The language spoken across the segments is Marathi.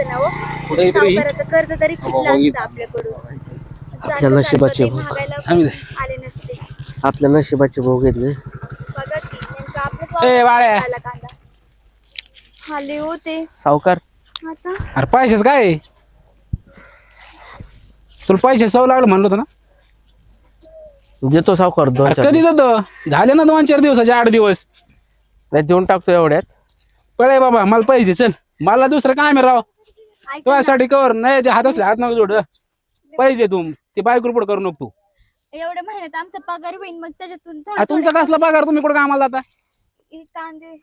असतं ना हो. कुठे तरी सावकाराचं कर्ज तरी फिटलं असतं आपल्याकडून. आपल्या नशिबाचे भोग महागायला आले नसते. आपल्या नशिबाचे भोग घेतले. बघा की नेमकं आपलं बाळ्या. आला कांदा खाली होते सावकार आता. अरे पैसेच काय आहे? तुला पैसे सव लागलं म्हणलं होतं ना. देतो सावकार दोन अरे चार कधी देतो? झाले ना 2-4 दिवसाचे 8 दिवस. नाही देऊन टाकतो एवढ्यात. पळे बाबा मला पैसे दे, चल. मला दुसरं काय मी राव ऐका ना, तुझ्यासाठी कवर नाही ते हात असले हात नको जोड. पैसे तू ते बायको पुढे करू नको तू. एवढ्या महिन्यात आमचा पगार होईल मग त्याच्यातून अरे तुमचा कसला पगार? तुम्ही कुठे कामाला जाता? कांदे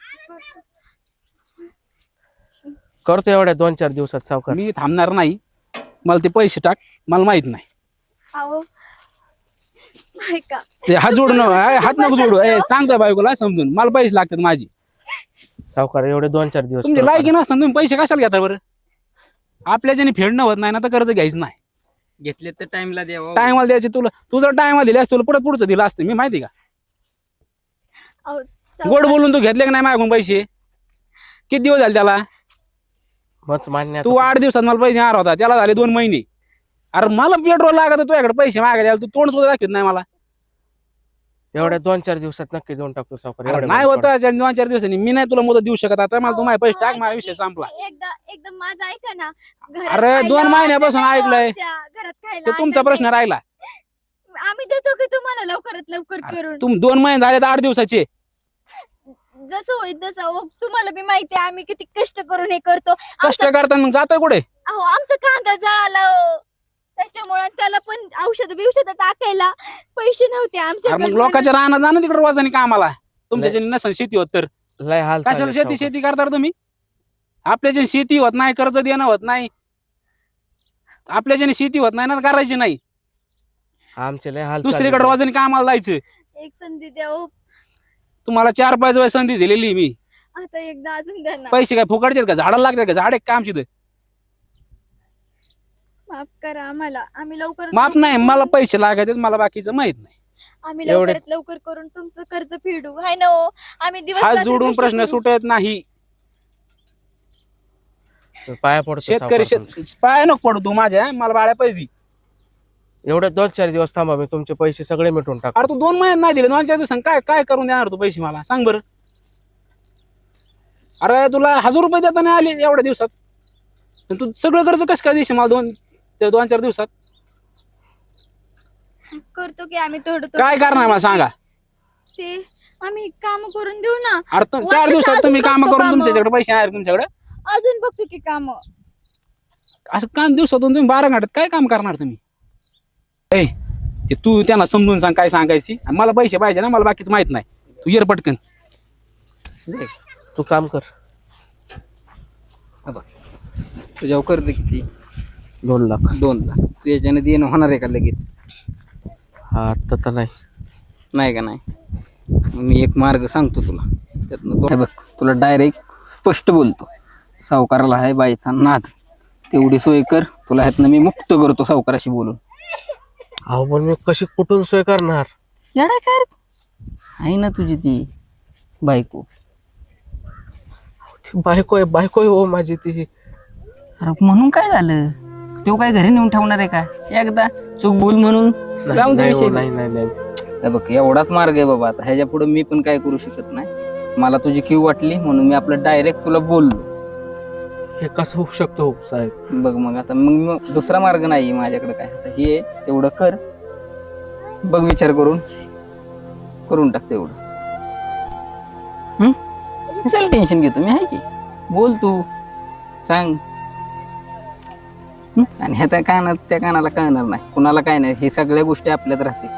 करतो एवढ्या 2-4 दिवसात सावकार. मी थांबणार नाही. मला ते पैसे टाक, मला माहित नाही. अहो ऐका ते हात जोडू नको, हात नको जोडू. सांगतोय बायकोला समजून, मला पैसे लागतात माझी. सावकार एवढे 2-4 दिवस तुमचे लायकी नसताना तुम्ही पैसे कशाला घेता बरं? आपल्याच्याने फेडणं होत नाही ना, तर कर्ज घ्यायचं नाही. घेतले तर टाइमला द्यावं. टायमाला द्यायचे तुला. तू जर टायमाला दिले असते तुला पुढचं दिलं असतं मी, माहिती का? अहो गोड बोलून तू घेतले की नाही मागून पैसे? किती दिवस झाले त्याला? मच मान्य तू 8 दिवसात मला पैसे मार होता, त्याला झाले 2 महिने. अरे मला पेट्रोल लागत तुझ्याकडे पैसे मागायला, तू तोंड सुद्धा दाखवत नाही मला. एवढ्या 2-4 दिवसात नक्की देऊन टाकतो सावकार. अरे एवढ्या नाही वेळेत होत 2-4 दिवसांनी. मी नाही तुला मुदत देऊ शकत. आता मला तू माझे पैसे टाक, माझा विषय संपला. एकदा एकदम माझं ऐका ना. घरात अरे, खायला 2 महिन्यापासून अन्न नाही ऐकलंय. आमच्या, घरात खायला तो तुमचा अन्न प्रश्न नाही. राहिला. आम्ही देतो की तुम्हाला लवकरात लवकर करून. तुम 2 महिने झाले तर 8 दिवसाचे. जसं होईल तसं. अहो, तुम्हाला बी माहिती आहे आम्ही किती कष्ट करून हे करतो. कष्ट करताना मग जातोय कुठे? अहो आमचा कांदा जळाला हो. त्याच्यामुळे त्याला पण औषध बिवषध टाकायला पैसे नव्हते अरे आमच्याकडे. मग लोकांच्या राहणार जाणं तिकडे रोजाने कामाला. तुमच्या नसन शेती होत तर लय हाल कशाला झाले शेती सावकार. शेती करता रे तुम्ही? आपल्याच्या शेती होत नाही, कर्ज देणं होत नाही. आपल्याच्याने शेती होत नाही ना, करायची नाही. आमचे लय हाल दुसरीकडे चालले. रोजाने कामाला जायचं. एक संधी द्या हो. तुम्हाला 4-5 वेळा संधी दिलेली मी. आता एकदा अजून द्या ना. पैसे काय फुकटचे का? झाडाला लागतात का? झाड एक काम शिद. माफ करा आम्हाला. आम्ही लवकर माफ नाही, मला पैसे लागायचे, मला बाकीचं माहित नाही. आम्ही एवढे- लवकरात लवकर करून तुमचं कर्ज फेडू. हाय ना हो. आम्ही दिवस हात रात्र जोडून कष्ट प्रश्न करू. सुटत नाही. पाया पडतो शेतकरी सावकार तुमचे. पाय नको पडू तू माझ्या, मला बाळ्या पैसे दे. एवढे 2-4 दिवस थांबा, मी तुमचे पैसे सगळे मिटवून टाकतो. अरे तू 2 महिन्यात नाही दिले, 2-4 दिवसांनी काय काय करून देणार तू पैसे मला? सांग बरं. अरे तुला 1000 रुपये देता नाही आले एवढ्या दिवसात, आणि तू सगळं कर्ज कसं काय देशील मला 2-4 दिवसात? करतो की आम्ही थोडं काय करणार मला सांगा? ते आम्ही काम करून देऊ ना. अरे 4 दिवसात अजून तुम्ही काम बघतो करून कामं. तुमच्याकडे पैसे आहे तुमच्याकडे? अजून बघतो की काम. असं काम दिवसातून तुम्ही 12 घंट्यात काय काम करणार तुम्ही? ए ते तू त्यांना समजून सांग काय सांगायची. मला पैसे पाहिजे ना, मला बाकीच माहित नाही. तू ये रे पटकन. तू काम कर. तुझ्यावर कर्ज किती? 2 लाख. 2 लाख. तू याच्याने देणं होणार आहे का लगेच? हा आता तर नाही. नाही का? नाही. मग मी एक मार्ग सांगतो तुला. त्यातनं हे बघ, तुला डायरेक्ट स्पष्ट बोलतो. सावकाराला आहे बाईचा नाद. तेवढी सोय कर. तुला ह्यातनं मी मुक्त करतो सावकाराशी बोलून. अहो पण मी कशी कुठून सोय करणार? येडा काय रे? आहे ना तुझी ती बायको. ती बायको आहे हो माझी ती. अरे म्हणून काय झालं? तो काय घरी नेऊन ठेवणार आहे का? एकदा चूक भूल म्हणून जाऊन दे नाही हो, विषय. नाही नाही नाही. हे बघ, एवढाच मार्ग आहे बाबा. आता ह्याच्या पुढे मी पण काय करू शकत नाही. मला तुझी कीव वाटली म्हणून मी आपलं डायरेक्ट तुला बोललो. हे कसं होऊ शकतो हो साहेब? बघ मग आता मग दुसरा मार्ग नाही माझ्याकडे काय. आता हे तेवढं कर. बघ विचार करून टाक तेवढं. कशाला टेन्शन घेतो? मी आहे की. बोल तू, सांग. आणि ह्या त्या कानात त्या कानाला कळणार नाही, कुणाला काय नाही. हे सगळ्या गोष्टी आपल्यात राहते.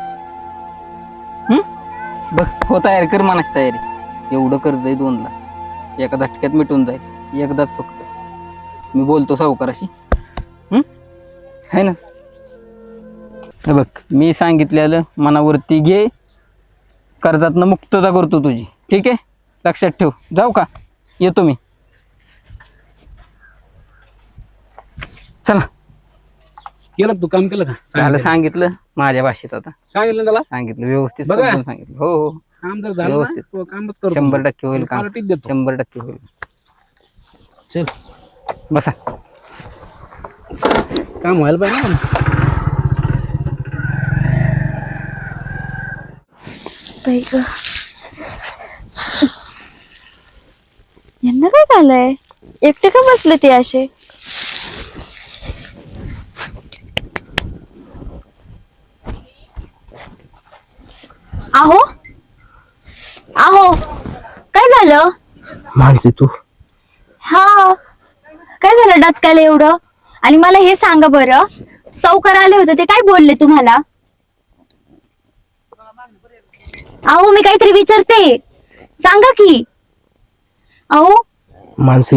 बघ हो, तयारी कर, मनाची तयारी. एवढं कर्ज आहे 2 लाख. एका झटक्यात मिटून जाईल. एकदाच फक्त मी बोलतो सावकाराशी. है ना? हे बघ, मी सांगितलेलं मनावरती घे. कर्जातनं मुक्तता करतो तुझी. ठीक आहे? लक्षात ठेव. जाऊ का? येतो मी. चला. केलं तू काम केलं का? झालं सांगितलं माझ्या भाषेत. आता सांगितलं त्याला सांगितलं व्यवस्थित बघा. समजून सांगितलं. हो हो, काम जर झालं ना, व्यवस्थित. तो कामच करतो. 100% होईल काम. पार्टीच देतो. 100% होईल. चल बसा. काम व्हायला पाहिजे ना. बाई गं. यांना काय झालंय? एकटे का बसले ते असे? आहो आहो, काय झालं? मानसी तू हा, काय झालं डचकायला एवढं? आणि मला हे सांगा बरं, सावकार आले होते ते काय बोलले तुम्हाला? अहो मी काहीतरी विचारते, सांगा की. अहो मानसी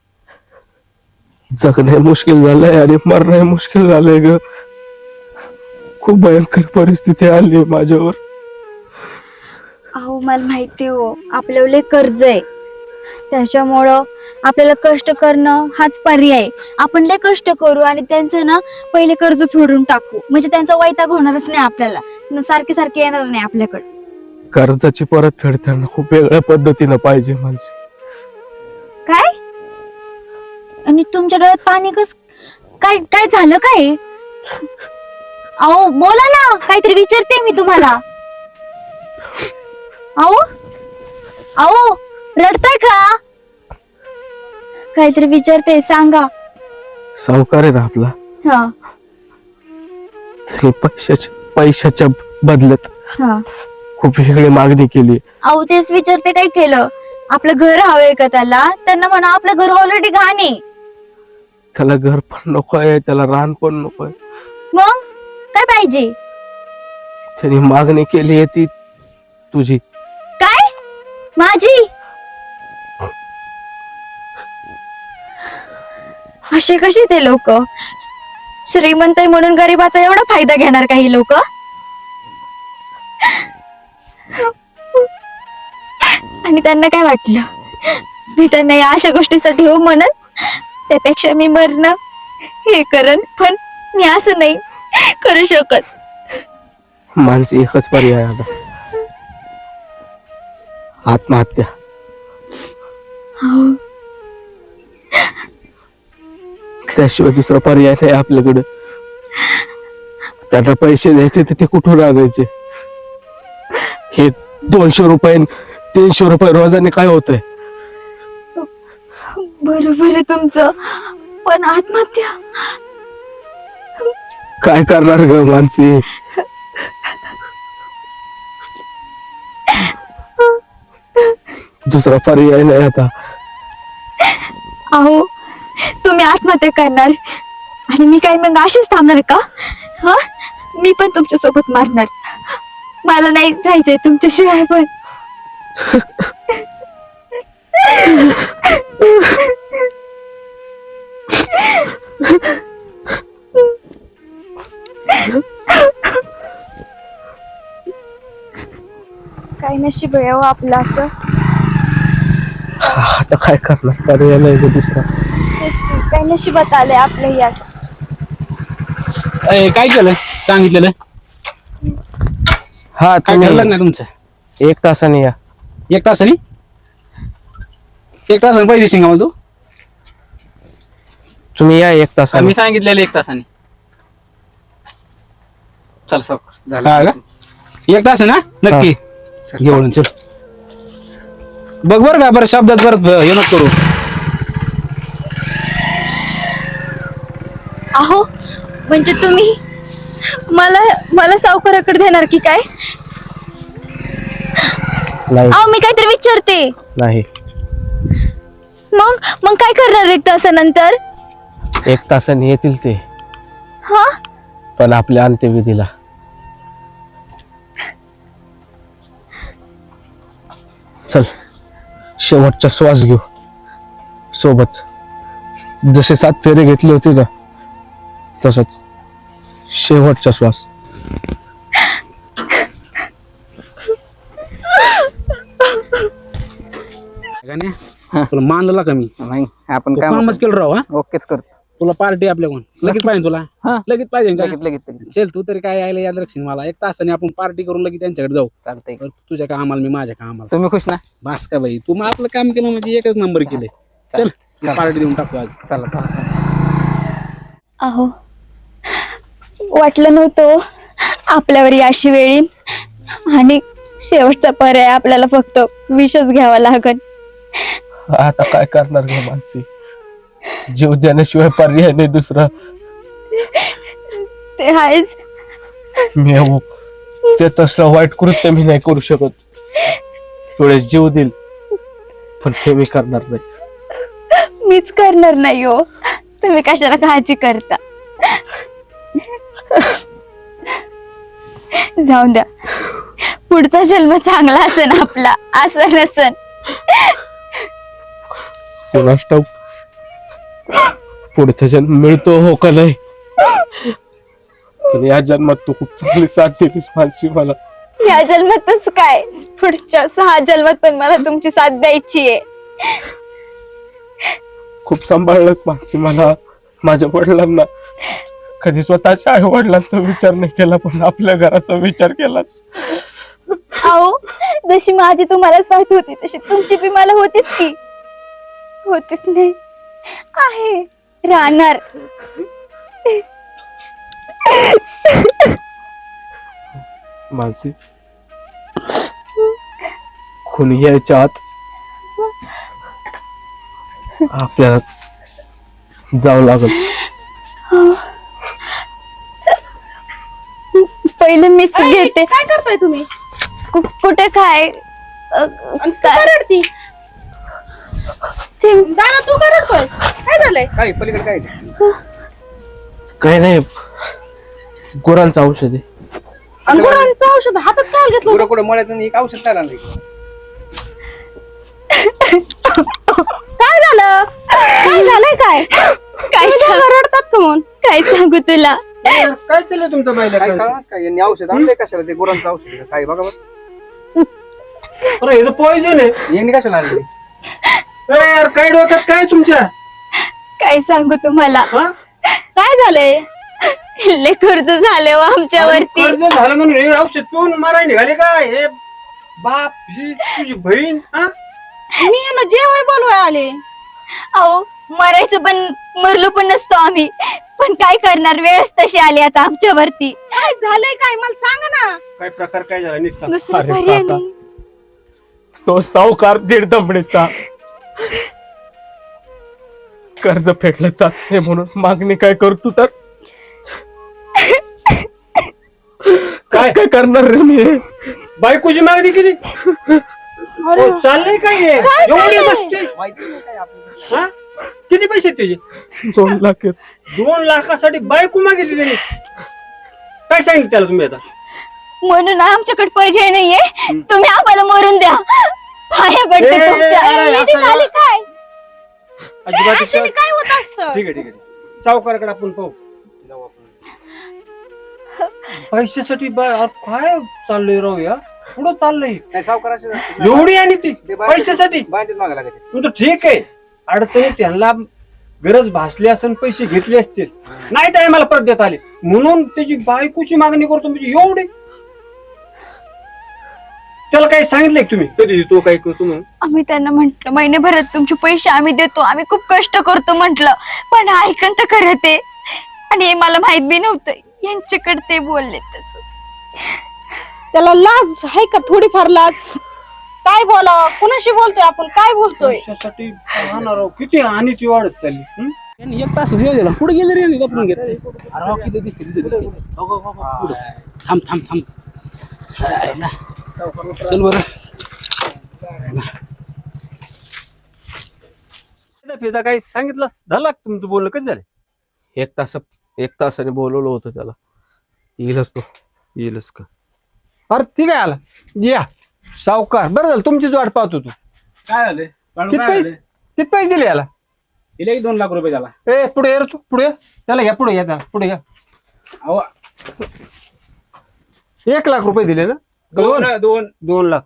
जगणे मुश्किल झालंय आणि मरणे मुश्किल झालंय ग. खूप भयंकर परिस्थिती आली माझ्यावर. अहो मला माहिती हो, आपल्याला कर्ज आहे, त्याच्यामुळं आपल्याला कष्ट करणं हाच पर्याय. आपण लय कष्ट करू आणि त्यांचं ना पहिले कर्ज फेडून टाकू, म्हणजे त्यांचा वैताग होणारच नाही आपल्याला, सारखे सारखे येणार नाही आपल्याकडे. कर्जाची परत फेडताना खूप वेगळ्या पद्धतीनं पाहिजे मानसी. काय? आणि तुमच्या डोळ्यात पाणी कस काय? काय झालं काय? अहो बोला ना, काहीतरी विचारते मी तुम्हाला. अहो अहो, रडताय का? काहीतरी विचारते, सांगा. सावकार आहे ना आपला, हा त्याने पैशाच्या बदल्यात हा. खूप वेगळी मागणी केली. अहो तेच विचारते, काय केलं? आपलं घर हवंय का त्याला? त्यांना म्हणा आपलं घर ऑलरेडी घाण आहे. त्याला घर पण नको आहे, त्याला रान पण नको आहे. मग काय पाहिजे? त्याने मागणी केली आहे ती तुझी. काय? माझी? असे कसे ते लोक? श्रीमंत आहे म्हणून गरीबाचा एवढा फायदा घेणार काही लोक? आणि त्यांना काय वाटलं मी त्यांना या अशा गोष्टीसाठी हो म्हणत? त्यापेक्षा मी मरणं हे करन, पण मी असं नाही करू शकत. माणसी एकच पर्याय आता, आत्महत्या. हो. त्याशिवाय दुसरा पर्याय नाही आपल्याकडे. त्याला पैसे द्यायचे तर ते कुठून आणायचे? हे 200 रुपये 300 रुपये रोजाने काय होतंय? बरोबर आहे तुमचं, पण आत्महत्या काय करणार ग मानसी? दुसरा पर्याय नाही आता. अहो तुम्ही आत्महत्या करणार आणि मी काय मग अशीच थांबणार का? हा, मी पण तुमच्या सोबत मारणार. मला नाही राहायचंय तुमच्याशिवाय पण. काय नशीब आहे हो आपलं असं. आता काय करणार? पर्याय नाही ग दुसरा. तेच की, काय नशिबात आलंय आपलं यात. काय केलं सांगितलेलं? हा काय ठरलं नाही तुमचं? 1 तासाने या. 1 तासाने? 1 तासाने पैसे शिंगा मला तू? तुम्ही या 1 तासाने. मी सांगितलेलं 1 तासाने. चल सावकार, झालं. हा का? 1 तास ना नक्की घेऊन चल. बघ बर का, बरं शब्दात परत हे नको करू. अहो म्हणजे तुम्ही मला मला सावकाराकडे देणार की काय? नाही अहो मी काहीतरी विचारते. नाही, मग काय करणार 1 तासानंतर? 1 तासाने येतील ते, हा, पण आपल्या अंत्यविधीला. चल शेवटचा श्वास घेऊ सोबत. जसे 7 फेरे घेतले होते ना, तसंच शेवटचा श्वास. गाण्या, तुला मानलं का मी? नाही आपण तू काय कामच केलं राव. हा, ओकेच करतो. तुला पार्टी आपल्याकडून लगेच पाहिजे. तुला हा. लगेच पाहिजे का? लगेच लगेच लगेच. चल तू तरी काय यायला याद रक्षण मला. 1 तासाने आपण पार्टी करून लगेच त्यांच्याकडे जाऊ. चालतंय. बरं, तुझ्या कामाला मी माझ्या कामाला. तुम्ही खुश ना? बास का बाई, तू मग आपलं काम केलं म्हणजे एकच नंबर केले. चल पार्टी देऊन टाकू आज. चला चला चला. अहो वाटलं नव्हतं आपल्यावर अशी वेळ येईल आणि शेवटचा पर्याय आपल्याला फक्त विषच घ्यावा लागल. आता काय करणार ग मानसी, जीव देण्याशिवाय पर्याय नाही दुसरा. ते आहेच. मी ते तसलं वाईट कृत्य मी नाही करू शकत. थोडेस जीव देईल पण ते मी करणार नाही. मीच करणार नाही हो, तुम्ही कशाला काळजी करता. जाऊन द्या, पुढचा जन्म चांगला असेल आपला, असं नसन. कोणास ठाऊक पुढचा जन्म मिळतो हो का नाही, पण या जन्मात तू खूप चांगली साथ दिलीस मानसी मला. या जन्मातच काय, पुढच्या 6 जन्मात पण मला तुमची साथ द्यायची आहे. खूप सांभाळलंच मानसी मला. माझ्या वडिलांना कधी स्वतःच्या आई वडिलांचा विचार नाही केला, पण आपल्या घराचा विचार केलाच. अहो जशी माझी तुम्हाला साथ होती तशी तुमची बी मला होतीच की. होतीच नाही, आहे, राहणार. मानसी कोणी यायच्या आत आपल्याला जावं लागल. पहिले मीच घेते. काय करताय तुम्ही? कुठे काय आणि तू का रडती? दादा तू का रडतोय? काय झालंय? काय पलीकडे काय काही नाही, गुरांचं औषध आहे. आणि गुरांचं औषध हातात काय घेतलं? पुढे कुठे मळ्यातून एक औषध काय आणलं? काय झालं? काय झालंय काय? काय तुम्ही सांग- दोघं रडतात का म्हणून? काय सांगू तुला. काय चाललंय तुमचं बायला? काय कळलं? काय यांनी औषध आणलंय कशाला? ते गुरांचं औषध आहे. काय बघा बरं. अरे हे तर पॉइझन आहे. यांनी कशाला आणले? अरे यार काय डोक्यात काय तुमच्या? काय सांगू तुम्हाला. हा? काय झालंय? लय कर्ज झाले हो आमच्यावरती. कर्ज झालं म्हणून हे औषध पिऊन मारायला निघाले का? हे बाप, ही तुझी बहीण, हा? मी यांना जेवाय बोलवाय आले. अहो मरायचं पण मरलो पण नसतो आम्ही, पण काय करणार, वेळच तशी आली आता आमच्यावरती. काय झालंय काय मला सांगा ना. काय प्रकार काय झाला नीट सांग. दुसरं अरे पर्याय काका. नाही. तो सावकार दीड दमडीचा कर्ज फेडलं जात नाही म्हणून मागणी काय करतो तर काय काय करणार रे मी. बायकोची मागणी केली. अरे हो, चाललंय काय हे? एवढी चाललंय? मस्ती, माहिती नाही काय आपल्याला. हा? किती पैसे आहेत त्याचे? 2 लाख आहेत. 2 लाखासाठी बायको मागितली त्याने. काय सांगितलं त्याला तुम्ही आता? म्हणून आमच्याकडे पर्याय नाहीये, तुम्ही आम्हाला मरून द्या. पाया पडते ए, तुमच्या. अरे, किती असं- झाली काय? अजिबात अशाने काय होत असतं? ठीक आहे ठीक आहे, सावकाराकडे आपण पाहू. पैशासाठी काय चाललंय राव या? पुढं चाललंय नाही सावकाराशी एवढी आणि ती पैशासाठी. बाहेरच मागा लागत. पण तो ठीक आहे, अडचणी त्यांना गरज भासली असेल, पैसे घेतले असतील, नाही टायमाला परत देत आले म्हणून त्याची बायकोची मागणी करतो. म्हणजे एवढी त्याला काही सांगितलंय का तुम्ही कधी तो काय करतो म्हणून? आम्ही त्यांना म्हंटल महिन्याभरात तुमचे पैसे आम्ही देतो, आम्ही खूप कष्ट करतो म्हंटल, पण ऐकन तर खरं ते. आणि हे मला माहित बी नव्हतं, यांच्याकडे ते बोलले तसं. त्याला लाज आहे का? थोडीफार लाज. काय बोलावं? कुणाशी बोलतोय आपण? काय बोलतोय? पैशासाठी पाहणार आहो, किती आणि ती वाढत चालली. हं? यांनी 1 तासच वेळ दिला, पुढे गेले रे गपरून घेतले. अरे हो, किती दिसते तिथे दिसते. हो, हो, हो, हो, पुढं. थांब थांब थांब. हाय ना. चल बरं. फिदा काही सांगितलं झालं का तुमचं बोलणं? कधी झालं? 1 तासाने बोलवलं होतं त्याला, येईलच तो. येईलच का? अरे ठीक आहे, आला या सावकार. बरं झालं तुमचीच वाट पाहतो तू. काय झालं? किती पैसे दिले याला? दिले 2 लाख रुपये झाला. ए पुढे ये रे तू, पुढे ये. त्याला या पुढे या, त्याला पुढे या. अहो 1 लाख रुपये दिले ना? 2 लाख.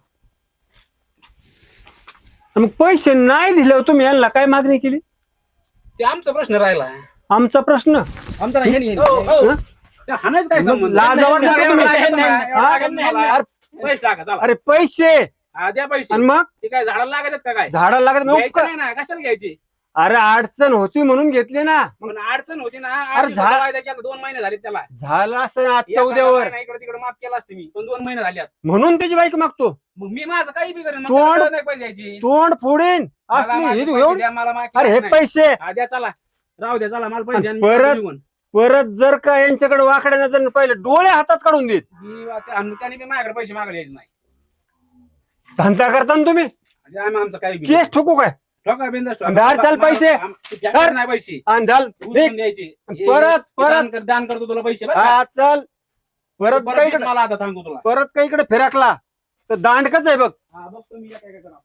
आणि मग पैसे नाही दिले तुम्ही यांना काय मागणी केली? ते आमचा प्रश्न राहिला. आमचा प्रश्न. आमचा नाही. हं? हाणायच काय संबंध? लाज वाटते का तुम्ही? हा? पैसे टाका चला. अरे पैसे हा, द्या पैसे. आणि मग ते काय झाडाला लागत का काय? झाडाला लागत मग घ्यायचे उपकार. नाही ना, कशाला घ्यायची? अरे अडचण होती म्हणून घेतली ना. पण अडचण होती ना. अरे झा- वायदा केला 2 महिने झाले त्याला. झालं असं आजच्या उद्यावर इकडे तिकडे माफ केला असते मी, पण 2 महिने झाले. म्हणून त्याची बाईक मागतो. मग मी माझं काही बी करेन, मग तोंड- मला नाही पैसे द्यायची. तोंड फोडीन मला असली माझे हे तू पैसे एवढं. द्या, मला माफ अरे हे नाही. पैसे हा, द्या चला, राहू द्या चला, मला पैसे द्या आणि परत- मी निघून. परत जर का यांच्याकडे वाकड्या नजर पहिले डोळे हातात काढून देत. त्याने बी माझ्याकडे पैसे मागायला यायचे नाही. धंदा करता ना तुम्ही. म्हणजे आमचं काही बी केस ठोकू काय ठोका बिनधास्त ठोका. दार चाल पैसे. द्यायचे नाही पैसे आणि झाल उचलून द्यायचे. हे- परत- हे परत- दान करतो तुला पैसे बरं का? हा चल परत परत काही वीस मला आता सांगतो तुला. परत काही इकडे फिरकला तर दांडकच आहे बघ. हा, बघतो मी काय करणार.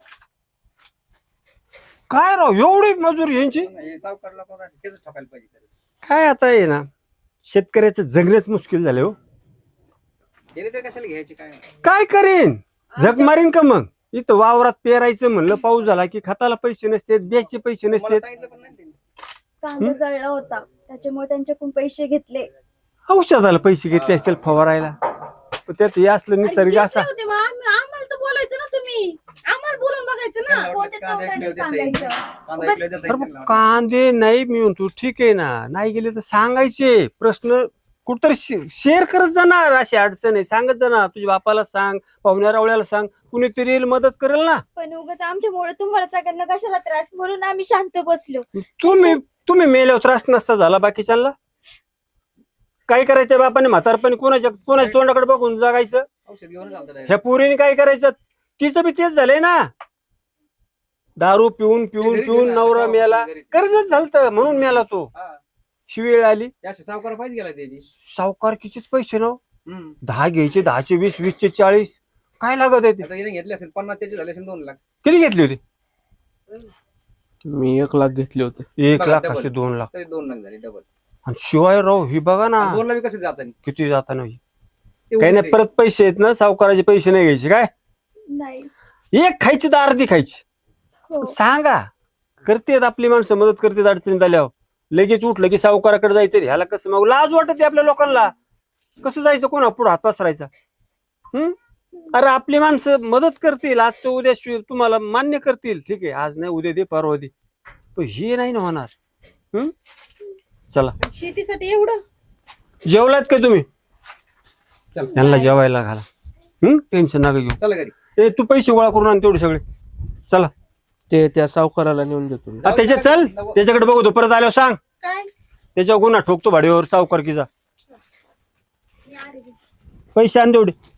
काय राव एवढी मजूर यांची. हे सावकारला कोण आहे? तेच ठोकायला पाहिजे. काय आता आहे ना शेतकऱ्याचं जगणेच मुश्किल झाले हो. गेले तर कशाला घ्यायचे काय? काय करीन जग मारीन का मग. इथं वावरात पेरायचं म्हणलं पाऊस झाला की खताला पैसे नसतात ब्याजचे पैसे मला नसतात. सांगितलं पण नाही त्यांनी. कांदा जळला होता त्याच्यामुळे त्यांच्याकडून पैसे घेतले. औषधाला पैसे घेतले असतील फवारायला. पण त्यात हे असलं निसर्ग असा. होते मग आम्हाला तर बोलायचं ना तुम्ही. आम्हाला बोलून बघायचं ना. त्यांना वाटलं कोणत्या कांदा तोंडाने ऐकलं देता सांगायचं? येईल. कांदा ऐकलं देता अरे येईल मग त्यांना. कांदे नाही मी म्हणतो ठीक आहे ना नाही गेले तर सांगायचे. प्रश्न कुठतरी शेअर करत जाणार. अशी अडचण आहे सांगत जाणार. तुझ्या बापाला सांग पाहुण्या रावळ्याला सांग कुणीतरी येईल मदत करेल ना. पण उगाच आमच्यामुळे तुम्हाला सगळ्यांना कशाला त्रास म्हणून आम्ही शांत बसलो. तुम्ही मेल्यावर त्रास नसता झाला बाकीच्यांना. काय करायचं बापाने म्हातारपणी कोणाच्या तोंडाकडे बघून जगायचं. औषध घेऊन चालतं direct. ह्या पोरीने काय करायचं तिचं बी तेच झालंय ना. दारू पिऊन पिऊन घरी पिऊन गेला, नवरा मेला. घरी. कर्जच झालत म्हणून मेला तो. हा. शिवेळ आली. हे असे सावकार पाहिजे गेला त्याची. सावकारकीचेच पैसे ना. हम्म. 10 घ्यायचे 10चे 20 20चे 40 काय लागत आहे ते. आता हिने घेतले असेल 50 त्याचे झाले असेल 2 लाख. किती घेतली होती. मी 1 लाख घेतले होते. 1 बघा, लाख double. असे 2 लाख. तरी 2 लाख झाले डबल. आणि शिवाय राव ही बघा ना 2 लाख कसे जातात? किती जाताना काही नाही. परत पैसे आहेत ना सावकाराचे पैसे नाही घ्यायचे काय. नाही. एक खायची तर अर्धी खायची. हो. सांगा करतेत आपली माणसं मदत करतात अडचणीत आल्यावर. लगेच उठलं की सावकाराकडे जायचं ह्याला कसं मग लाज वाटते आपल्या लोकांना. कसं जायचं कोणा पुढे हात पसरायचा. अरे आपली माणसं मदत करतील आजचं उद्या तुम्हाला मान्य करतील ठीक आहे आज नाही उद्या दे परवा दे. पण हे नाही ना होणार. चला शेतीसाठी एवढं जेवलात का तुम्ही. चल. यांना जेवायला घाला. टेन्शन नका घेऊ. चला घरी. ए तू पैसे गोळा करून आण तेवढे सगळे. चला ते त्या सावकाराला नेऊन देतो मी. त्याच्या चल त्याच्याकडे बघू तो परत आल्यावर सांग. काय त्याच्यावर गुन्हा ठोकतो भाडीवर सावकारकीचा. पैसे आण तेवढे.